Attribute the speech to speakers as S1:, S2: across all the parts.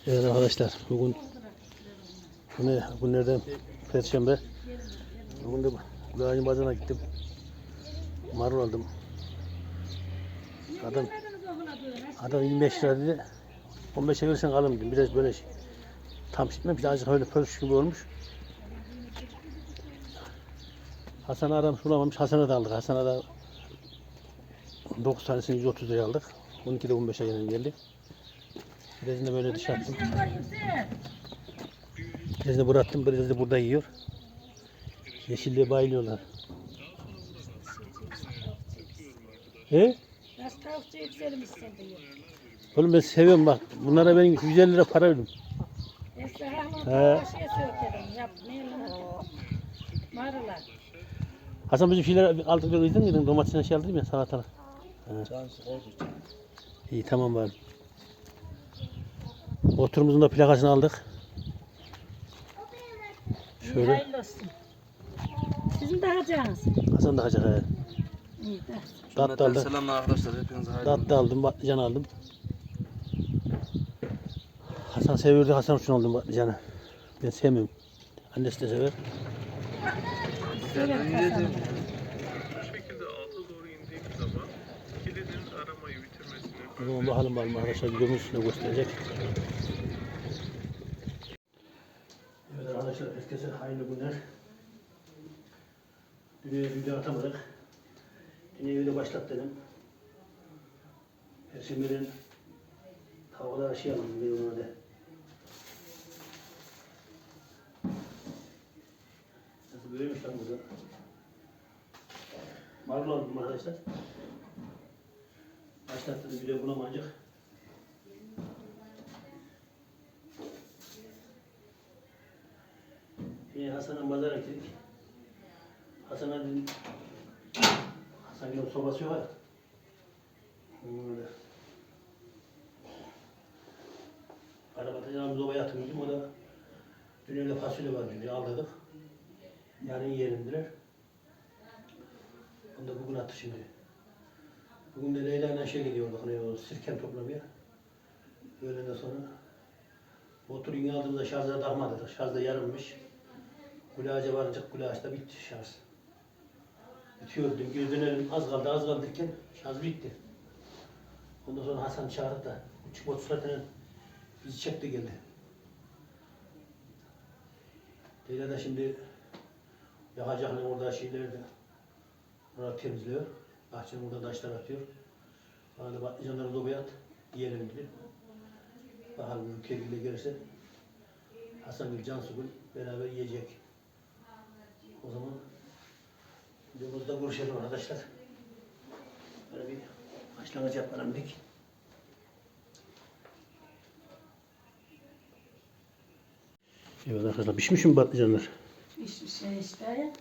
S1: Evet arkadaşlar, bugün günlerden Perşembe. Bugün de Gülağacın Bazarı'na gittim. Marul aldım. Adam 25 lira dedi. 15'e verirsen alırım dedim. Biraz böyle tam pişmemiş, azıcık öyle pörüş gibi olmuş. Hasan'ı adam sulamamış, Hasan'a da aldık. Hasan'a da 9 tanesini 130 liraya aldık. 12 de 15'e geldi. Birazını da böyle dışarı attım. Birazını bıraktım, biraz da burada yiyor. Yeşilliğe bayılıyorlar. He?
S2: Nasıl tavukçu yükselmişsin diyor.
S1: Oğlum ben seviyorum bak. Bunlara ben 150 lira para verdim.
S2: Eski hanım
S1: He.
S2: tavukçuya sökerim. Yap neyle? Marula.
S1: Hasan bizim şeyler aldık böyle izledin mi? Domatesine şey aldım ya salatalık. İyi tamam bari. Oturumuzun da plakasını aldık. Şöyle.
S2: Hayırlı olsun. Sizin de hacağınız.
S1: Hasan da hacak he.
S2: İyi de.
S1: Tatlı aldım.
S3: Selamlar arkadaşlar, hepinize hayırlı
S1: Tatlı aldım, patlıcan aldım. Hasan seviyordu, Hasan için aldım patlıcanı. Ben sevmiyorum. Annesi de sever.
S2: Severim Hasan'ı.
S4: Bu şekilde alta doğru indiğim zaman kilidin aramayı bitirmesini
S1: O zaman bakalım arkadaşlar videonun üstüne gösterecek. Evet arkadaşlar herkese hayırlı günler. Dün video atamadık. Yine video başlat dedim. Perşembe'nin tavukları aşıyalım bir ona da. Nasıl böyleymiş lan burada? Marul aldım arkadaşlar. Başlattım video bulamayacak. Hasan'a pazara gittik. Hasan'a dedim, Hasan'ın sobası var. Böyle. Arabada sobaya atmışım, o da dün fasulye var diyor, aldırdık. Yarın yiyelimdiler. Onu da bugün attı şimdi. Bugün de Leyla ile şey gidiyor, bak o sirken toplamaya. Öğleden sonra motoru yine aldığımızda şarja takmadık, şarj da yarınmış. Gülağaca varınca Gülağaç'ta bitti şarj. Bitiyor dedim, geri dönelim, az kaldı derken şarj bitti. Ondan sonra Hasan çağırdı da, küçük motosikletle bizi çekti geldi. Leyla da şimdi yakacaklar orada şeyleri de orada temizliyor. Bahçenin orada taşlar atıyor. Bana da patlıcanları dobaya at, yiyelim dedi. Bakalım ülkeyle gelirse Hasan Gül, Cansu Gül beraber yiyecek. O zaman videomuzda görüşelim arkadaşlar. Böyle bir başlangıç yapalım dedik. Evet arkadaşlar pişmiş mi patlıcanlar?
S2: Hiçbir şey işte.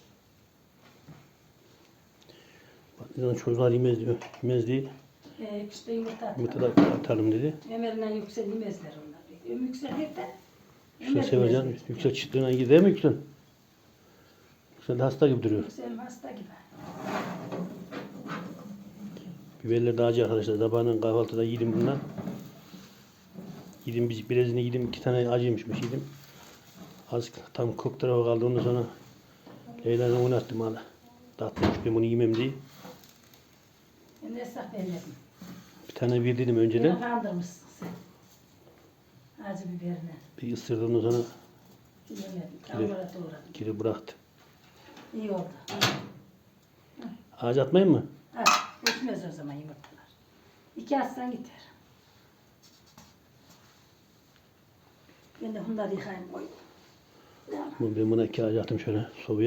S1: Patlıcanı çocuklar yemez değil.
S2: İşte yumurta atalım.
S1: Yumurta da atalım dedi.
S2: Ömer'le Yüksel yemezler onlar. Yüksel hep de.
S1: Yüksel seveceksin. Yüksel çıtlığına gider mi Yüksel? Yüksel de hasta gibi duruyor.
S2: Yüksel hasta gibi.
S1: Biberler daha acı arkadaşlar. Sabahın kahvaltıda yedim bundan. Yedim birazını yedim. 2 tane acıymışmış yedim. Az tam kök tarafı kaldı. Ondan sonra Leyla'dan oynattım hala. Tatlıymış ben bunu yemem diye.
S2: Ben de esnaf vermedim.
S1: Bir tane bir dedim
S2: Beni
S1: önceden.
S2: kandırmışsın sen. Acı biberine.
S1: Bir ısırdı ondan sonra
S2: Yemedim. Kavura doğradım.
S1: geri bıraktı.
S2: İyi oldu.
S1: Ağaç atmayayım mı?
S2: Ha, geçmez o zaman yumurtalar. 2 aslan gider. Ben de bunları yıkayayım koyayım.
S1: Ben buna 2 ağaç attım şöyle sobaya.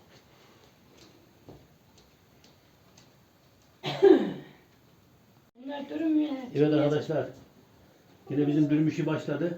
S2: Bunlar durmuyor.
S1: Evet arkadaşlar. Yine bizim dürüm işi başladı.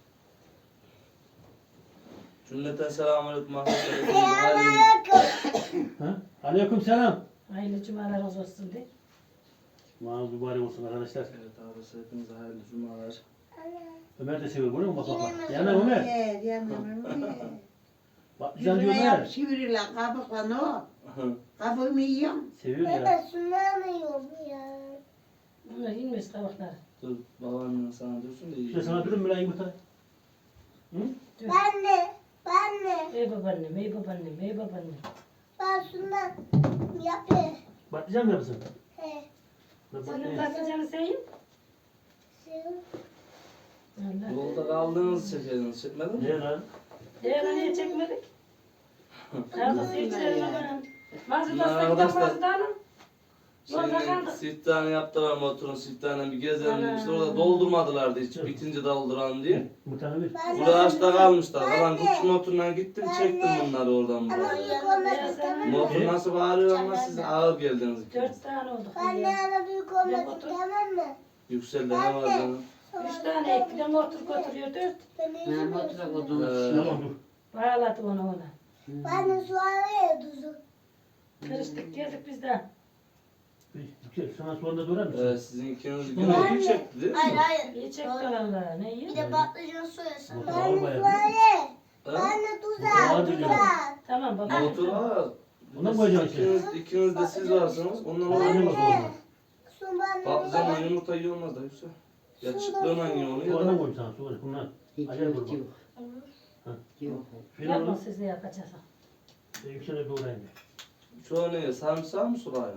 S3: Cümleten selamünaleyküm arkadaşlar, hepinize hayırlı
S1: Ha? Aleyküm selam.
S2: Hayırlı cumalar olsun de.
S1: Mağaz mübarek olsun arkadaşlar.
S3: Evet arkadaşlar, hepinize hayırlı cumalar.
S1: Ömer de seviyor bunu mu? Bak bak bak. Yana Ömer.
S5: Yanım.
S1: Patlıcan diyor
S5: Yüzüne yap
S1: Ömer.
S5: çiviriyle kabukla o. Kabuğumu yiyorum.
S1: Seviyor ya.
S2: Bunlar inmez kabakları.
S3: Dur babaannen sana dursun da iyi.
S1: İşte sana durun mu lan yumurta? Hı?
S6: Ben de.
S2: Ey babaannem, ey babaannem, ey babaannem.
S6: Ben şundan yapayım.
S1: Patlıcan mı yapsın?
S6: He.
S2: Senin patlıcanı seveyim.
S6: Şimdi
S2: Allah.
S3: Yolda kaldığınız çekerdiniz. Çekmedin mi?
S1: Ne lan?
S2: Niye çekmedik? Kavgası içerim ama. Mazı da
S3: Arkadaşlar.
S2: sıktan mazı da alın. Yolda
S3: Şimdi
S2: kaldık.
S3: siftahını yaptılar motorun siftahını bir gezelim
S2: Ana.
S3: işte orada doldurmadılardı hiç bitince dolduralım diye.
S1: Yumurtanı ver.
S6: ben
S3: Burada ağaçta kalmışlar. Kalan küçük motoruna gittim çektim bunları oradan
S6: ama
S3: buraya.
S6: büyük olmasın tamam mı?
S3: Motor nasıl bağırıyor ama siz ağır geldiniz ikiniz.
S2: 4 tane olduk.
S6: Ben de
S2: Ya.
S6: ana büyük olmasın tamam mı?
S3: Yükseldi ne var canım?
S2: 3 tane ek bir de motor götürüyor 4.
S6: Ben
S5: Ha, motora
S6: de
S5: koydum.
S1: Tamam dur.
S2: Bağladı ona.
S6: Ben de su araya tuzu.
S2: Karıştık geldik biz de.
S1: Yüksel sana sonunda durar mısın?
S3: Sizin ikiniz
S1: Ben
S3: yine
S6: de-
S3: iyi çekti değil mi?
S6: Hayır.
S2: İyi çekti valla. Ne iyi?
S6: Bir de patlıcan soyasın.
S1: Motor
S6: Ben de
S1: bayağı
S6: su araya.
S3: Ha?
S6: Ben de
S1: Motor
S6: tuzak.
S1: diyor.
S6: Tuzak.
S2: Tamam baba.
S3: Motor var.
S1: Ona mı koyacaksın
S3: İkiniz de siz varsınız. Ondan
S1: Ona
S3: olmaz
S1: ne
S3: o
S1: bak
S3: zaman.
S1: olmaz.
S6: Su bana.
S3: Patlıcanla yumurta iyi olmaz da Yüksel. Ya çıtlığına iyi onu ya
S1: Sonra
S3: da
S1: koyayım sana sonra. Bunlar
S5: Hiç
S1: acayip
S5: yok
S1: olur
S5: yok.
S1: bak.
S5: Yok.
S1: Filan
S2: Yapma
S1: onu
S2: siz de yapacağız.
S1: yüksel'e doğrayayım.
S3: çoğu ne? Sarımsağı mı sulayın?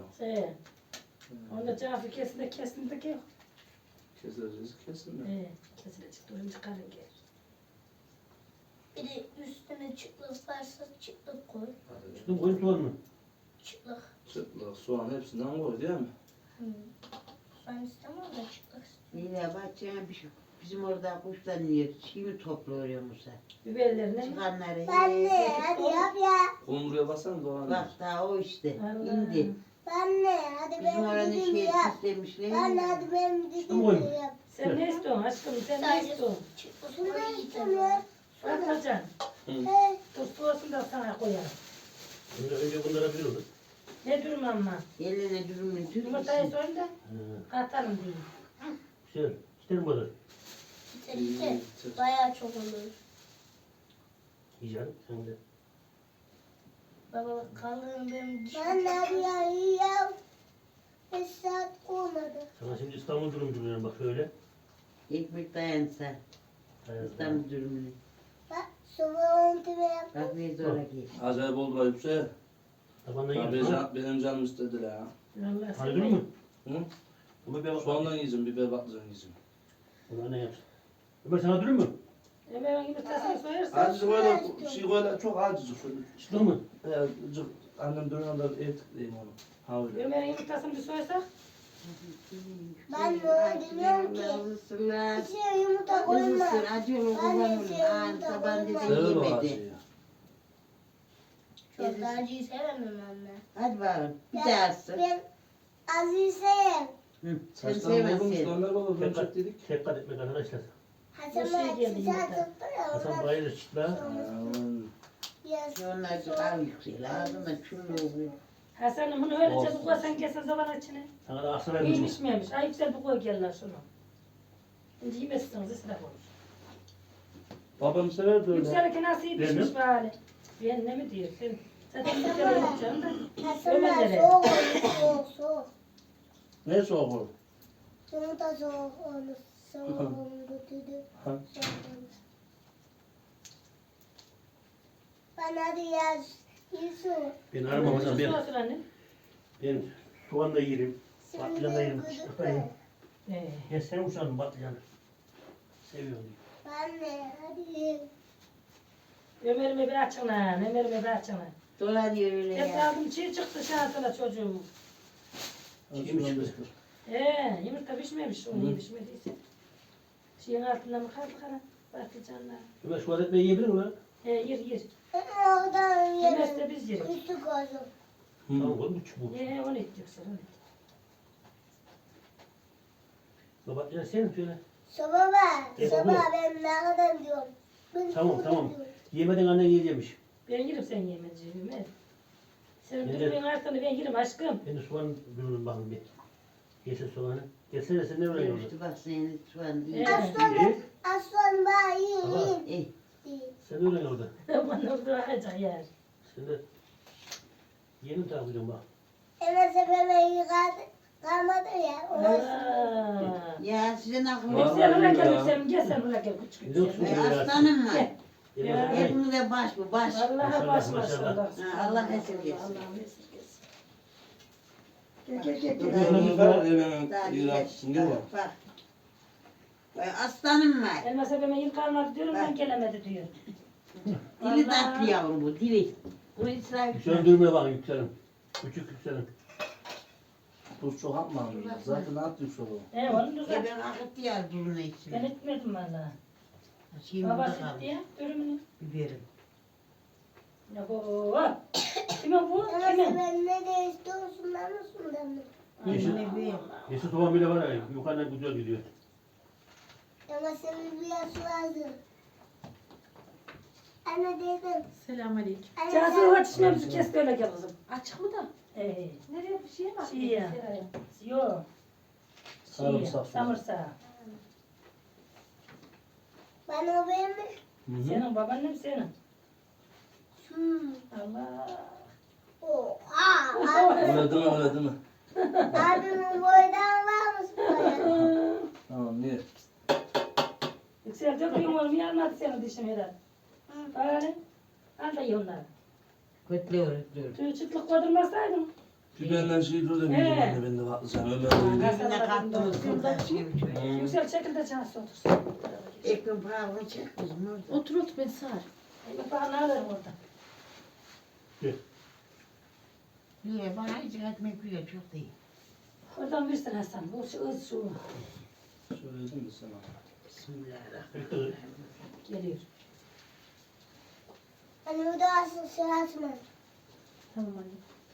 S2: Onda cafı kesin de kesin de yok.
S3: Keseriz kesin de.
S2: Kesilecek durun çıkarın gel.
S6: Bir de üstüne çıtlık varsa çıtlık koy.
S3: Hadi.
S1: Çıktım koyun soğan mı?
S6: Çıtlık.
S3: Çıtlık, soğan hepsinden koy değil mi?
S6: Ben istemem de çıtlık.
S5: Yine bahçeye bir şey. Bizim orada kuşlar yiyor. Şimdi topluyor Musa.
S2: Biberlerine mi?
S5: Çıkanları.
S6: Ben de hadi yap ya.
S3: Kumruya basan doğan.
S5: Bak daha o işte.
S2: Allah.
S5: İndi.
S6: Ben de hadi
S5: Bizim
S6: benim
S5: oranın
S6: dediğimi
S5: şey
S6: yap.
S5: süslemişler.
S6: Ben de hadi benim
S1: koy.
S6: dediğimi yap.
S2: Sen ne istiyorsun aşkım? Sen ne istiyorsun?
S6: Şunu istemiyor.
S2: Patlıcan.
S6: He.
S2: Dur soğusun da sana koyarım.
S1: Önce bunlara bir olur.
S2: Ne durma ama.
S5: Eline dürümün
S2: Yumurtayı
S5: türküsü.
S2: soyun da katalım diyeyim.
S1: Güzel. İsterim bu kadar.
S6: İşte bayağı çok olur.
S1: Yiyeceksin sen de.
S6: Baba kalın benim. Ben de hadi ya iyi ya. 5 saat olmadı.
S1: Sana şimdi İstanbul durum duruyorum bak şöyle.
S5: Ekmek dayansa. İstanbul dürümünü.
S6: Bak sonra onu tipe yap.
S5: Bak ne zor ki.
S3: Acayip oldu ayıp şey.
S1: Tabandan
S3: Ya
S1: yiyorsun.
S3: benim canım istediler ha.
S2: Vallahi sen
S1: Aydın mı?
S3: Hı?
S1: Ama bir bak.
S3: Soğandan yiyeceğim, biber patlıcan yiyeceğim.
S1: Bunlar ne yapsın? Ömer sana durur mu?
S2: Ömer'in yumurtasını soyarsan.
S3: Acıcık öyle, şey öyle çok acıcık şöyle.
S1: Çıktın mı?
S3: Cık, annem dönüyor da etikleyeyim onu. Ha öyle.
S2: Ömer'in yumurtasını bir soysak.
S6: Ben de öyle demiyorum ki.
S5: Isırlar.
S6: İçine yumurta koyma.
S5: Isır acı olur
S6: Ben de
S5: babam olur.
S6: seviyorum
S5: Ağır
S6: da
S5: taban
S6: koyma.
S5: dedi
S3: Sever o
S5: yemedi.
S3: acıyı.
S6: Çok da acıyı sevemem anne.
S5: Hadi bakalım. Bir daha ısır.
S6: Ben acıyı seveyim.
S5: Hı, Sen
S3: Saçlarım bozulmuş,
S5: sevmezsin.
S3: Ömer baba
S1: Dikkat,
S3: bölecek dedik.
S1: dikkat etmek arkadaşlar.
S6: Hasan
S2: Bu şey
S6: ben
S2: geldi
S6: sıcak
S2: yumurta.
S6: tuttu ya.
S1: Hasan
S6: ondan
S1: bayılır çıtla.
S6: biraz
S5: Onlar çok ağır yüksel. Ağzına çullu oluyor.
S2: Hasan'ım bunu öylece
S3: Olsun.
S2: bu koysan kesin zaman içine.
S1: Sana da Aksaray mı?
S2: İyiymiş miymiş? Ay güzel bu koy gel lan şunu. Şimdi yemezsiniz israf olur.
S3: Babam sever böyle.
S2: Yükselirken nasıl iyi
S1: Benim?
S2: pişmiş bari. Ben ne mi diyor? Sen zaten yükselir yapacaksın da.
S6: Hasan ben
S2: Ömerlere.
S6: soğuk olur soğuk soğuk.
S3: Ne soğuk olur?
S6: Yumurta soğuk olur. Soğuk olur götürdü.
S3: Ha.
S6: Ben hadi yaz. Yusuf.
S1: Ben aramam hocam.
S2: Su olsun anne.
S1: Ben soğan da yerim. Patlıcan da yerim.
S6: Şimdi
S1: Çıtlık da yerim.
S6: gıdıklı.
S1: Ya sen uçan patlıcanı. Seviyorum.
S6: Ben de hadi.
S2: Ömer'ime bir açın lan. Ömer'ime bir açın lan.
S5: Dolanıyor öyle
S2: Hep
S5: ya.
S2: aldım çiğ çıktı şansına çocuğum.
S1: Kim çıktı?
S2: Yumurta pişmemiş. Onu iyi pişmediyse. Şeyin altında mı kaldı kara? Patlıcanlar.
S1: Ömer şu adet yiyebilir mi?
S2: Yer.
S6: Oradan
S2: Yemezse
S6: yerim.
S2: biz yeriz.
S6: Üstü koydum.
S1: Tamam oğlum bu çubuğu.
S2: Onu et yoksa onu et.
S1: Baba ya sen söyle.
S6: Sabah ben.
S1: E,
S6: Sabah
S1: baba.
S6: ben nereden diyorum. Ben
S1: Tamam
S6: burada
S1: tamam.
S6: diyorum.
S1: Yemeden annen yiyeceğimiş.
S2: Ben yerim sen yemeyeceğim. Evet. Senin
S1: Evet.
S2: durduğun artanı ben yerim aşkım.
S1: Ben de soğan dururum bakın bir. Yesin soğanı. Gelsene sen ne öyle
S5: Görüştü bak senin şu an iyi.
S2: Evet.
S1: İyi.
S6: Aslan ben
S1: Baba.
S6: yiyeyim.
S5: İyi.
S1: Sen öyle orada.
S2: Bana orada akacak yer.
S1: Sen de yeğenim takip ediyorum bak.
S6: Hemen sepeme kalmadı ya.
S2: Aa.
S5: Ya sizin aklınız.
S3: Vallahi
S2: Yüksel buraya gel
S3: ya.
S2: Yüksel. Gel sen buraya gel küçük
S1: Ne olsun?
S2: Yüksel.
S5: Aslanım var.
S2: Gel.
S1: Yemez mi?
S5: Hepimize baş bu baş.
S2: Vallahi
S1: Maşallah,
S2: baş
S1: maşallah.
S2: maşallah.
S5: Ha, Allah esirgesin.
S2: Allah esirgesin. Gel.
S3: Yolumuz var evinin
S5: Daha
S3: iğrençsin değil mi?
S5: Bak. Vay aslanım var.
S2: Elmas ebeme yıl kalmadı diyorum ben gelemedi diyor.
S5: Dili
S2: Vallahi.
S5: tatlı yavrum bu dili. Bu İsrail.
S1: Yükselin durmaya bakın yükselin. Küçük yükselin.
S3: Tuz çok atma. Zaten attık soru.
S2: Onu düzelt.
S5: Ben akıttı ya durun
S2: Ben
S5: içine.
S2: etmedim valla.
S5: Şimdi
S2: Babası
S5: burada
S2: gitti
S5: kaldı.
S2: ya dürümünü.
S5: Biberim.
S2: Ya bu. Kimin bu?
S6: Ama
S2: Kimin?
S6: ben ne de istiyorsun lan mısın mı?
S1: Yeşil,
S5: Anne bir.
S1: yeşil soğan bile var ya yukarıdan güzel gidiyor.
S6: Ama senin bir yaş vardı. Anne dedim.
S7: Selamünaleyküm.
S6: Anne
S2: Cansu
S6: sen-
S2: açışmamızı kes böyle gel kızım.
S7: Açık mı da? Nereye bir şeye mi attın?
S2: Şey ya.
S7: Seraya.
S2: Yok.
S3: Sarımsak.
S2: Samırsak.
S6: Bana o benim mi?
S2: Senin babaannen senin.
S6: Hmm.
S2: Allah.
S6: Oha.
S3: Öyle değil mi öyle değil mi?
S6: Abimin boydan var mısın bana?
S3: Tamam niye?
S2: Yüksel döküyorum oğlum yanmadı senin dişin herhalde. Öyle. Al da ye onları.
S5: Kötülüyor kötülüyor.
S2: Tüy çıtlık koydurmasaydın.
S3: Bir benden şey dur da bir
S2: He.
S3: ben de patlıcan Ömer öyle.
S5: Gözüne kattınız buradan şey bir şey.
S2: Yüksel çekil de Cansu otursun.
S5: Ekmek pahalını çek kızım orada.
S7: Otur otur ben sağır.
S2: Ekmek paranı alırım orada.
S5: Niye bana hiç ekmek yiyor çok değil.
S2: Oradan versin Hasan. Bu şu ız şu.
S3: Söyledim mi sana?
S5: Bismillahirrahmanirrahim.
S2: Geliyor.
S6: Anne bu da asıl sırası mı?
S7: Tamam anne.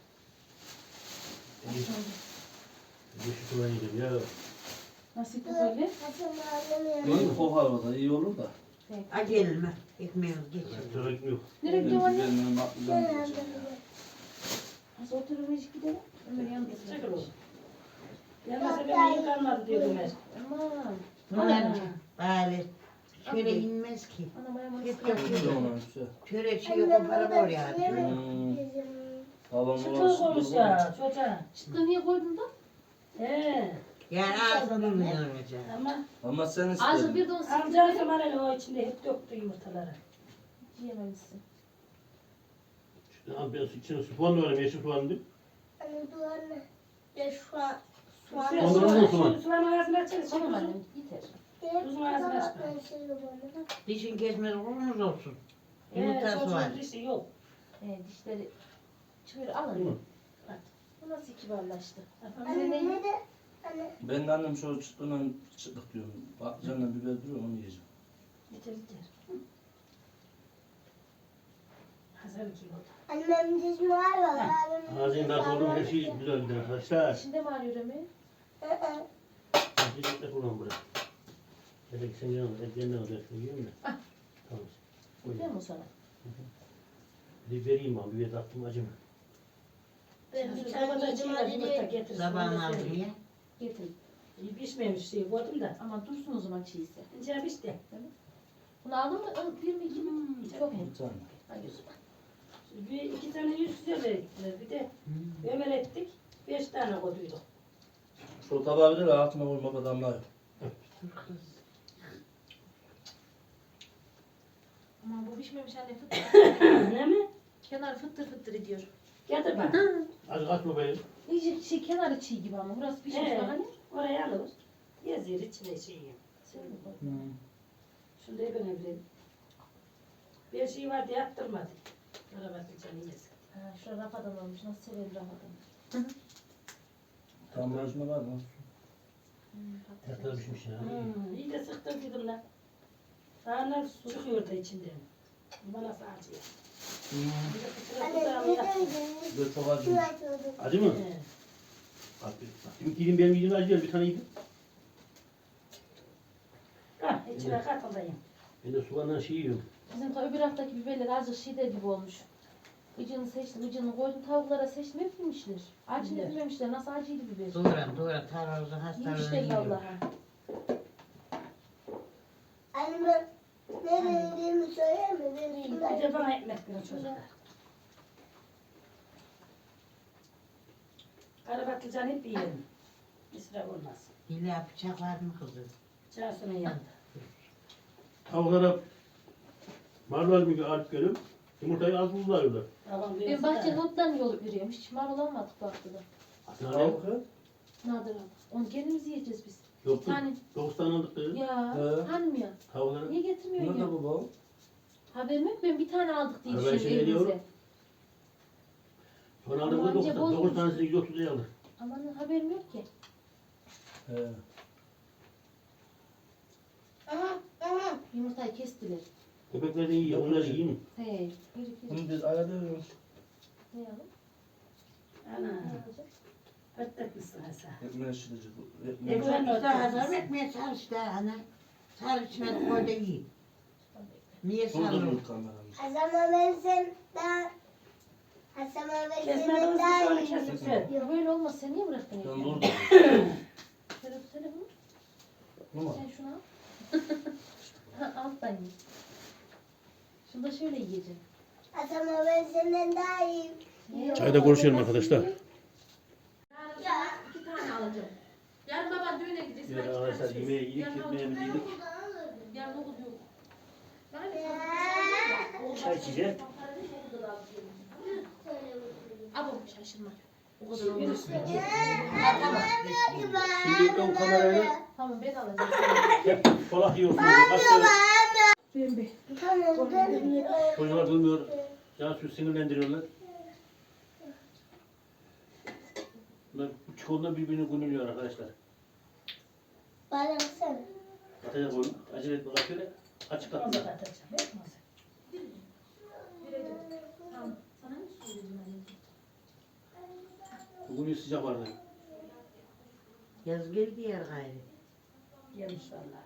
S1: Yeşil soğan yedim ya.
S7: Nasıl bu böyle?
S6: Hasan anlamıyorum.
S3: Yok kokar o da iyi olur da.
S5: Hadi elime. Ekmeğimiz geçiyor.
S1: Sıra ekmek yok.
S7: Nereye gidiyorsun anne?
S3: Benim patlıcan
S6: Ben
S3: yiyeceğim ya.
S6: anlamıyorum.
S7: Nasıl oturur hiç gidelim? Ömer yanında
S2: Çekil oğlum. Yanmasa benim yıl kalmadı diyor Ömer.
S7: Aman.
S5: Bunlar böyle şöyle inmez ki.
S7: Anam ayağıma
S5: Hep
S7: ıslak.
S5: yapıyor.
S3: Ona güzel.
S5: Şöyle şey
S6: Annem
S5: koparıp
S6: burada
S5: oraya
S6: bir şey
S5: atıyor.
S6: mi? Bizim.
S3: Babam
S2: Çıtır
S3: uğraşsın,
S2: olmuş
S3: dur
S2: ya çocuğa.
S7: Çıtlığı niye koydun da?
S2: He.
S5: Yani ağzına durmuyor mesela.
S2: Ama
S3: Ama sen
S7: Azıcık
S3: istedin.
S7: bir de onu
S2: amca
S7: sıkıntı
S2: Kemal'e o içinde hep döktü yumurtaları.
S7: yiyememişsin.
S1: İşte abi ben içine soğan da var yeşil soğan değil.
S6: Anne duvarına. Ya şu an. Soğan.
S2: Yüksel
S1: Ondan olsun
S2: soğan.
S1: lan.
S2: Soğanın ağzını açarız.
S7: Tamam
S2: Tamam
S7: annem yeter.
S2: Uzun ağzını açma.
S6: Ben şey bana.
S5: Dişin kesmez olmaz olsun.
S2: He,
S5: Yumurtası var.
S2: çocuğun dişi yok.
S7: Dişleri çıkıyor alın.
S1: Hı.
S2: Bak.
S7: Bu nasıl kibarlaştı?
S6: Anne ne de? Anne.
S3: Ben de annem şöyle çıtlığına çıtlık diyorum. Patlıcanla biber duruyor onu yiyeceğim.
S2: Yeter yeter. Hazır ki oldu.
S6: Annem dişim var ya. abimin
S1: Ağzının da
S6: dişi
S1: doldu
S6: var.
S1: her şey güzel gider arkadaşlar.
S7: İçinde mi ağrıyor Ömer?
S6: Hı hı.
S1: Bir ekmek kullan buraya. Dedik sen yanına ekmeğinden alacaksın yiyor musun?
S7: Ah.
S1: Tamam.
S7: Yeter mi o sana?
S1: Bir vereyim abi bir tatlım acıma.
S6: Ben bir
S2: Şu
S6: tane
S2: sabahda
S6: yiyeceğim
S2: çiğne yumurta
S6: hadi.
S2: getir.
S5: Sabahın aldığı.
S7: Getir.
S2: Pişmemiş şey koydum da.
S7: Ama dursun o zaman çiğse.
S2: İnce pişti.
S7: Bunu aldın mı? Bir mi iki mi? Çok mu?
S3: Bir tane.
S7: Hayır.
S2: Bir iki tane yüz güzel ettiler. Bir de ömel ettik. 5 tane koyduyduk.
S3: Şu tabağı bir de altına koyma adamlar yok.
S7: Ama bu pişmemiş anne fıttır.
S2: Ne mi?
S7: Kenar fıttır fıttır ediyor.
S2: Getir bak.
S1: Az kaçma be.
S7: İyice şey kenarı çiğ gibi ama burası pişmiş
S2: Evet.
S7: bak hani.
S2: Oraya alır. Yazıyor içine şeyi. Şunu da ben evledim. Bir şey vardı yaptırmadı. Arabatı canı yesin.
S7: Ha, şurada rafadan olmuş. Nasıl severim rafadan.
S3: Tam rejime var mı?
S1: Tatlı pişmiş ya.
S2: İyi de sıktım dedim lan. Sağlar çıkıyor da içinden. Bana nasıl acıyor. Bir de fıtıra
S6: Anne
S2: fıtıra
S6: ne
S2: yaptım.
S6: dedin?
S3: Bir de çok acı.
S6: Şu açıldı.
S1: Acı mı?
S2: He.
S1: Bak dedim ki benim yediğim acı değil bir tane yedim.
S2: Ah, içine katılayım.
S1: Ben de soğanla şey yiyorum.
S7: Bizim öbür haftaki biberler azıcık şider gibi olmuş. Gıcını seçtim, gıcını koydum. Tavuklara seçtim, hep yemişler. Acı
S2: Evet.
S7: yememişler. Nasıl acıydı biber?
S5: Doğru tarhası hastalığını
S7: Yemişler
S5: yiyor.
S7: vallahi.
S6: Anne ben ne dediğimi söyleyeyim mi? Ben
S2: Bir
S6: şunları-
S2: de bana ekmek verin çocuklar. Karabatlıcan hep yiyelim. İsraf olmaz.
S5: İlla bıçak var mı kızım?
S2: Cansu'nun yanında.
S1: Tavuklara marul gibi alıp gelip yumurtayı az buzluyorlar.
S2: Babam
S7: Ben
S2: diyorsa
S7: bahçenin
S2: da,
S7: otlarını yolup yürüyorum. Hiç marul almadık bahçede.
S1: Aslında
S3: Tavuk ya.
S7: Nadir abi. Onu kendimiz yiyeceğiz biz.
S1: yok
S7: Bir tane.
S1: 9 tane aldık kız.
S7: Ya
S3: He.
S7: hanım ya.
S1: Tavuklara.
S7: Niye getirmiyorsun ya?
S3: Nerede baba?
S7: Haberim yok. Ben bir tane aldık diye
S1: Ha, ben
S7: düşünüyorum
S1: şey
S7: evimize.
S1: Sonra
S7: Ama
S1: aldığımızda
S7: anca
S1: 9
S7: bozulmuş.
S1: tanesini 130 liraya aldık.
S7: Aman haberim yok ki.
S3: He.
S7: Yumurtayı kestiler.
S1: Köpekler de yiyor, onlar yiyor mu?
S7: He. Yürü yürü.
S3: Bunu biz ayarlıyoruz.
S7: Ne yapalım?
S2: ana,
S7: Ne yapacağız?
S2: ötletmişsin Hasan.
S3: Ekmeğe şişirecek.
S2: Ekmeğe-
S3: Ekmeğe.
S2: Ben
S5: Ekmek hazır
S2: ötmedim.
S5: ekmeğe sar işte ana. Sar içmedi koy da yiyin. Niye sarılır?
S3: Durduruyor kameramızı.
S6: Hasan ben senden Hasan ben
S2: Kesmeden
S6: senden
S2: olsun
S6: daha
S2: sonra
S6: iyi.
S2: kesip ver.
S7: Ya böyle olmaz. Sen niye bıraktın
S3: Ben
S7: ekmeği?
S3: durdurdum.
S7: Telefonu.
S3: Tamam.
S7: Sen şunu al. Ha, alttan ye. Şunu da şöyle yiyeceğim.
S6: Hasan ben senden daha iyi.
S1: Çayda görüşelim arkadaşlar.
S7: Yarın sana 2 tane alacağım. Yarın baban düğüne gideceğiz.
S1: Yarın
S7: Ben 2 tane
S1: arkadaşlar
S7: şey-
S1: yemeği yedik,
S7: Yarın
S1: ekmeğimizi
S7: okul-
S1: yedik.
S7: Yarın okul yok.
S1: Çay içeceğiz.
S7: Abam şaşırma. O kadar olmaz.
S1: Şimdi ön kamerayla
S7: Tamam ben alacağım.
S1: hep solak yiyorsunuz. Başka
S7: Pembe.
S6: Tamam ben
S1: çocuklar duymuyor. Cansu sinirlendiriyorlar. Bunlar bu çikolata birbirini gönüllüyor arkadaşlar.
S6: bana baksana.
S1: Atacak oğlum. Acele etme bak şöyle. Açık
S2: Onu
S1: atma.
S2: da atacağım. Yapma sen.
S7: Tamam. Sana mı söyleyeceğim anneciğim?
S1: Bugün sıcak vardı.
S5: Yaz geldi yer gayrı.
S2: Yemiş vallahi.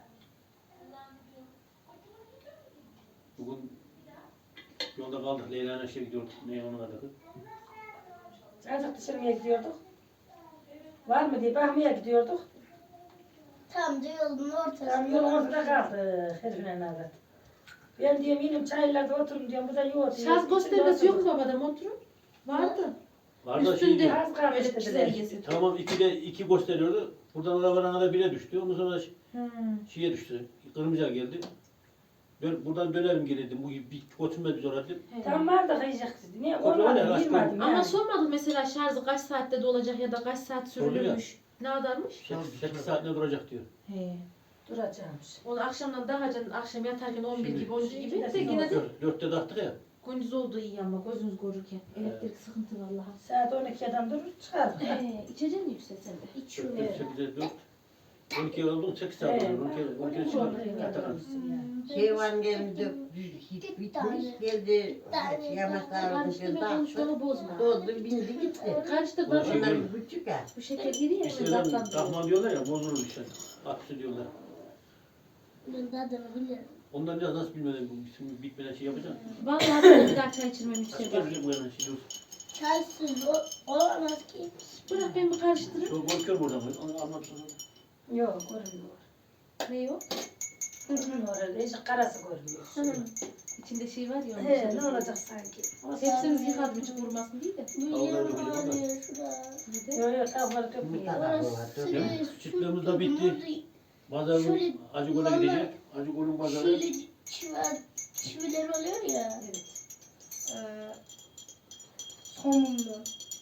S1: Bugün yolda kaldık. Leyla'nın şey gidiyorduk. Ne onun adı?
S2: Azıcık dışarıya gidiyorduk. Var mı diye bakmaya gidiyorduk.
S6: Tam da yolun ortasında.
S2: Tam yolun ortada kaldık. Herifine nadat. Ben diyorum inim çaylarda oturun diyorum. Bu da yok diyor.
S7: Şarj göstergesi yok mu babada motorun? Vardı.
S1: Var da
S7: Üstünde
S1: şey.
S2: Az kalmış
S7: böyle
S2: dediler.
S7: çizelgesi.
S1: Tamam 2 gösteriyordu. Buradan arabanın da 1'e düştü. Ondan sonra şeye düştü. Kırmızıya geldi. Buradan dönerim geri dedim. Bu bir götürmez biz oraya dedim.
S2: Tam var da kıyacak dedi. Niye?
S1: O zaman ne,
S2: Olmadı.
S1: rahat
S2: Girmedim
S7: Ama
S2: yani.
S7: sormadık mesela şarjı kaç saatte dolacak ya da kaç saat
S1: Sordu ya.
S7: sürülürmüş. Ne kadarmış?
S1: 8 saat ne duracak diyor.
S7: He.
S2: Duracağımış.
S7: Onu akşamdan daha can akşam yatarken 11
S1: Şimdi-
S7: gibi 12 gibi de
S2: Şimdi-
S7: yine de
S1: 4'te taktık ya.
S7: gündüz olduğu iyi ama gözünüz görürken. Elektrik sıkıntı vallahi.
S2: Saat 12'den durur çıkardık.
S7: İçeceksin yüksek sen de.
S1: 4'te 8'e 4. 12'ye oldun 8 saat
S2: Evet.
S1: olur. 12'ye çıkar. Yatarız.
S5: Şey var geldi hiç bitmiş geldi. Yamaçlar
S7: Karıştırma
S5: dağıttı.
S7: konuşmanı bozma.
S5: Doldu bindi gitti.
S7: Karıştır
S1: Ulan
S7: bak.
S1: şey-
S5: Onlar küçük ya.
S7: Bu şeker giri ya.
S1: İşte
S7: Şuradan
S1: takma diyorlar ya bozulur işte. Aksi diyorlar.
S6: Ben de adını bilirim.
S1: Ondan biraz nasıl bilmeden bu şimdi bitmeden şey yapacağım.
S7: Vallahi ben bir daha çay içirmem
S1: Kaç
S7: işte
S1: kere
S7: bak.
S1: bir bu yana şey olsun.
S6: Çaysız olamaz ki.
S7: Bırak ben bir karıştırırım.
S1: Çok korkuyorum oradan. Onu anlatsana.
S2: Yok görünmüyor.
S7: Ne o?
S2: Görünmüyor öyle. Hiç karası görünmüyor.
S7: İçinde şey var ya. onun
S2: He
S7: içinde.
S2: ne olacak sanki?
S7: Hepsimiz yıkadım hiç vurmasın diye de.
S6: Bu
S1: Allah'ım
S6: yer
S1: hocam,
S6: var
S1: bak.
S6: ya şurada.
S7: Hadi.
S2: Yok yok kafaları köpüyor.
S6: Orası
S1: Yani
S6: su
S1: küçüklüğümüzde bitti. Pazarın
S6: Şöyle
S1: Acıgöl'e
S6: vallahi-
S1: gidecek. Acıgöl'ün pazarı.
S6: Şöyle çiviler oluyor ya.
S7: Evet.
S6: Sonunda.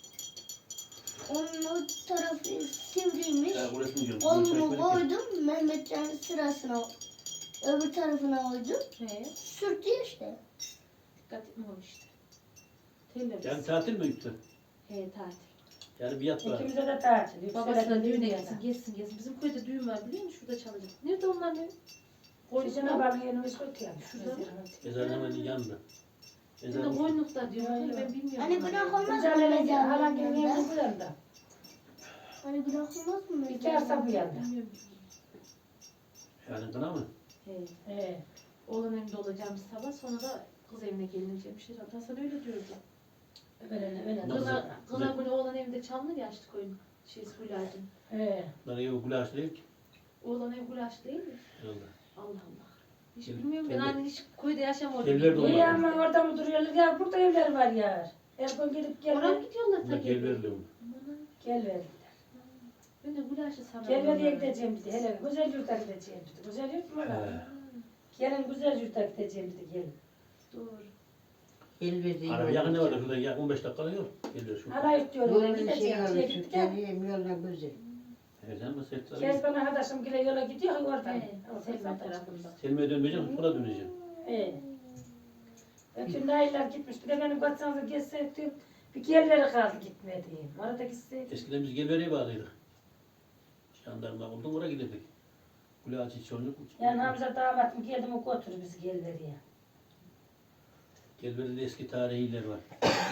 S6: Onun o tarafı sivriymiş.
S1: Ya burası mı diyorum?
S6: Kolumu koydum Mehmetcan'ın sırasına. Öbür tarafına koydum.
S7: He.
S6: Sürttü işte.
S7: Dikkat etmemiş işte. Terlemiş.
S1: Yani tatil mi gitti?
S7: He tatil.
S1: Yani bir yat var.
S2: İkimize de tatil.
S7: Babasına düğüne
S2: gitsin.
S7: gitsin, gelsin gelsin. Bizim köyde düğün var biliyor musun? Şurada çalacak. Nerede onlar ne?
S2: Koyucuna bağlı yerimiz kötü yani.
S7: Şurada mı?
S1: Ezan hemen yanında.
S7: Şimdi
S1: Ezan
S7: Boynluk'ta diyor.
S2: Yok, yok.
S7: Ben bilmiyorum.
S6: Hani günah olmaz mı?
S2: Güzel halan gelin
S6: mezarlığında?
S2: yerimiz bu yanda.
S6: Hani günah olmaz mı?
S2: İki arsa bu yanda.
S7: Bilmiyorum.
S1: yani kına mı?
S7: He.
S2: He.
S7: Oğlan evinde olacağımız sabah sonra da kız evine gelineceğimiş. Hasan öyle diyordu.
S2: Öyle
S1: Nasıl?
S7: Kına günü oğlan evinde çalınır ya açtık oyunu. Gülacın.
S2: He.
S1: Bana yok gulaş değil ki.
S7: Oğlan ev gulaş değil mi?
S1: Yolda.
S7: Allah Allah. Hiç
S1: Gel-
S7: bilmiyorum ben
S1: gel-
S7: hani hiç köyde yaşamıyorum.
S1: Evler de
S7: Bilmiyorum.
S2: İyi ama orada mı duruyorlar ya? Burada evler var ya. Her gün gidip
S7: Oraya
S2: gel
S7: gidiyorlar
S1: Buna
S7: ta
S1: gel verdi onu.
S7: Aman.
S2: gel ver.
S7: Ben de gulaşı sanırım.
S2: Gelmediye gideceğim dedi. Hele güzel yurda gideceğim dedi. Güzel yurt mu
S1: He.
S2: lan? Gelin güzel yurda gideceğim dedi gelin.
S7: Doğru.
S5: Elbette
S1: Araba yakın ne var? Şurada yakın 15 dakika yol. Geliyor şu.
S2: Hala yurt diyorum.
S5: Yolun
S2: Gideceğim
S5: şey
S2: diye
S5: var,
S2: gittik ya.
S5: Türkleri yoluna güzel.
S1: Sen mi set
S2: Kezban arkadaşım güle yola gidiyor oradan.
S7: He,
S2: O
S7: Selma
S2: Selma tarafında.
S7: tarafında.
S1: Selma'ya dönmeyeceksin, sonra döneceksin.
S2: He. Bütün dayılar gitmiş. Bir de benim kaçsanıza gezsek diyorum. Bir yerlere kaldı gitmediğim. Orada gitseydik.
S1: Eskiden biz Gelveri'ye bağlıydık. Jandarma oldum, oraya giderdik. Kulağaçı çocuk.
S2: Yani Hamza damatım geldi mi götür bizi Gelveri'ye.
S1: Gelveri'de eski tarihi iller var.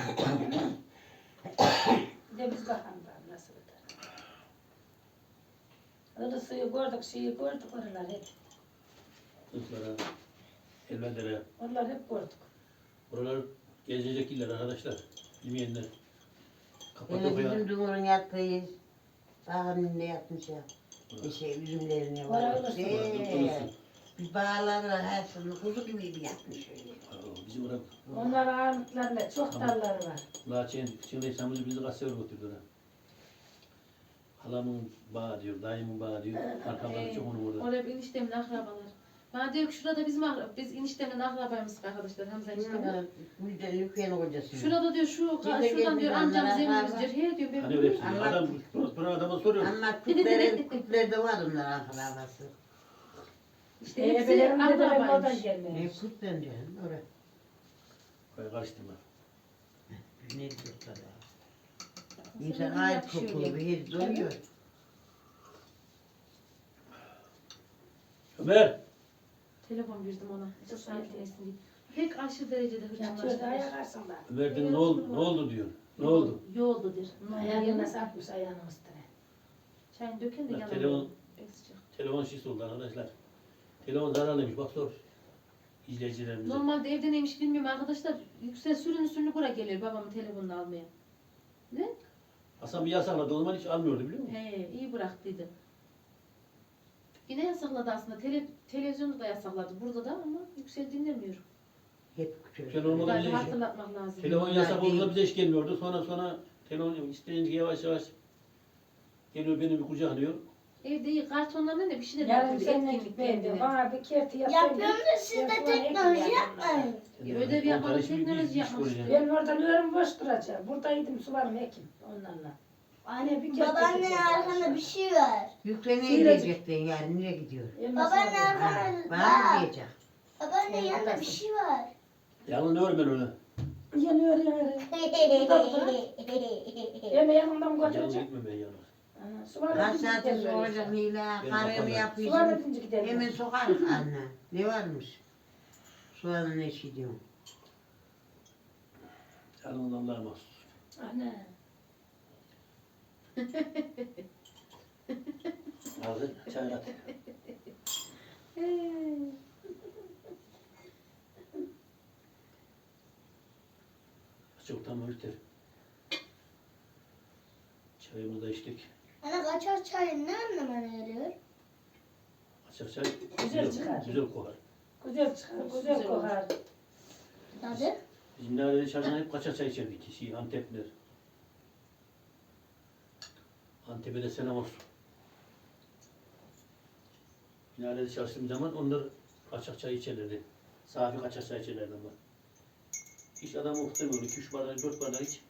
S2: Bir de biz bakalım da nasıl öder. Öyle suyu gördük, şeyi gördük oralar hep.
S1: Kızlara, Elvedere.
S2: Oralar hep gördük.
S1: Buralar gezecek iller arkadaşlar. Bilmeyenler.
S5: Yani
S1: Kapadokya.
S5: bizim Dumur'un yattığı dağın ne yapmış ya. Şey üzümlerine var.
S2: Orası
S5: Bir bağları her şeyini kuzu gibi bir yapmış öyle.
S1: Bizim orada
S2: Onlar ağırlıklarında çok
S1: Tamam.
S2: dalları var.
S1: Laçen, şimdi İstanbul'da bizi kaç sefer götürdüler. Halamın bağı diyor, dayımın bağı diyor. Arkamdan çok onu burada.
S7: Orada bir eniştemin akrabalar. Bana diyor ki şurada bizim biz eniştemin akrabayımız arkadaşlar Hamza eniştemin.
S5: Müjdenin yükleyen kocası.
S7: Şurada diyor şuradan diyor amcamız evimiz diyor. He diyor ben
S1: Hani öyle hepsi.
S5: Allah-
S1: Adam, bana adama soruyor.
S5: Ama kütlerde var onlar akrabası.
S7: işte hepsi
S2: Ebelerim dedelerim oradan
S7: akrabaymış.
S5: Ne
S2: gelmemiş.
S5: kütlen canım oraya.
S1: Koy karıştırma.
S5: Ne diyorlar ya. İnsan ait kokulu bir his duyuyor.
S1: Ömer!
S7: Telefon verdim ona. Çok sakinleşsin diye. Pek aşırı derecede
S2: Yatıyor da
S7: hırçınlaştı.
S2: ayak arasında.
S1: Ömer dedim ne oldu diyor. Ne oldu?
S7: Yoldu der.
S2: Ayağını nasıl atmış ayağının üstüne.
S7: Çayını döken de
S1: Bak,
S7: yanına.
S1: telefon-
S7: Sıcak.
S1: Telefon şişi oldu arkadaşlar. Telefon zararlıymış bak sor. İzleyicilerimize.
S7: Normalde evde neymiş bilmiyorum arkadaşlar. Yüksel sürünü buraya geliyor babamın telefonunu almaya.
S1: Hasan bir yasakladı o zaman hiç almıyordu biliyor musun?
S7: He iyi bıraktıydı. Yine yasakladı aslında. Televizyonu da yasakladı. Burada da ama Yüksel dinlemiyor.
S5: Hep küçük.
S1: Telefon olmadan
S7: Galiba
S1: bize iş-
S7: hatırlatmak lazım.
S1: Telefon yasak
S5: değil.
S1: olduğunda bize hiç gelmiyordu. Sonra telefon isteyince yavaş yavaş geliyor beni bir kucaklıyor.
S7: Evde iyi kartonlarla ne bir şeyler
S2: Yarın
S7: yapıyordu.
S2: seninle
S7: Etkinlik
S2: gitmeyin diyor.
S7: kendine.
S2: Bana bir kerti yapayım.
S6: Yapıyorum da siz de teknoloji yapmayın.
S7: Ödev yapmadan
S1: Ondan şimdi
S7: teknoloji
S1: iş
S7: yapmak
S1: koyacaksın.
S2: Ben oradan ölüm boş duracağım. Buradaydım sularım ekim onlarla. Anne bir kerti
S6: Babaanne arkanda bir şey var.
S5: Yükleneye diyecektin yani nereye gidiyor?
S6: Babaanne
S5: Ha,
S6: arkanda
S5: bana mı diyecek?
S6: Babaanne yanında bir şey var.
S1: Yalnız ne var ben ona?
S2: Yanıyor yanıyor. Yeme yanımdan
S1: Yalnız
S2: götürecek.
S1: gitmem ben yalnız.
S2: Sular
S5: Kaç
S2: edince
S5: saatimiz
S2: gidelim.
S5: olacak Nila?
S1: Ben
S5: Karımı
S1: kapadım.
S2: Sular
S5: yapıyorsun.
S2: edince gidelim.
S5: Hemen sokarız anne. Ne varmış? Soğanın ne şey diyorum.
S1: Yalnız Allah'a mahsus.
S2: Anne.
S1: Hazır çay at. Çok tamam yeter. Çayımızı da içtik.
S6: Ana kaçar çayın ne anlama yarıyor?
S1: Açık çay
S2: Güzel çıkar.
S1: güzel kokar.
S2: Güzel çıkar, güzel kokar.
S6: Tadı?
S1: Bizim nerede dışarıdan hep kaçak çay içerdik. Antepler. Antep'e de selam olsun. Minarede çalıştığım zaman onlar kaçak çay içerlerdi. Safi kaçak çay içerlerdi ama. Hiç adam muhtemelen 2-3 bardak 4 bardak iç.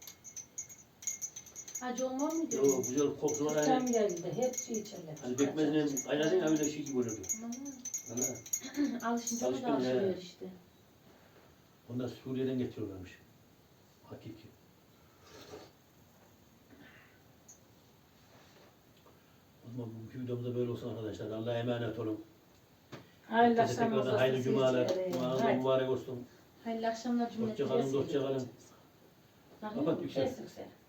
S7: Acı olmaz mıydı?
S1: Yo güzel kokusu var
S2: Tam
S1: hani.
S2: geldi. Hepsi içerler.
S1: Hani bekmezine kaynadın ya öyle şey gibi oluyordu. Ana.
S7: Alışınca o da
S1: Çalışkan,
S7: alışıyor
S1: he.
S7: işte.
S1: Onlar Suriye'den getiriyorlarmış. Hakiki. O zaman bugünkü videomuzda böyle olsun arkadaşlar. Allah'a emanet olun.
S2: Hayırlı
S1: Herkese
S2: akşamlar
S1: tekrardan
S2: olsun.
S1: hayırlı cumalar.
S2: sizlere.
S1: Cumanız
S2: Haydi.
S1: mübarek olsun.
S7: Hayırlı akşamlar cümlete.
S1: Hoşça kalın, dostça kalın.
S7: Bakın.
S1: Kapat yüksel.
S2: Kes yüksel.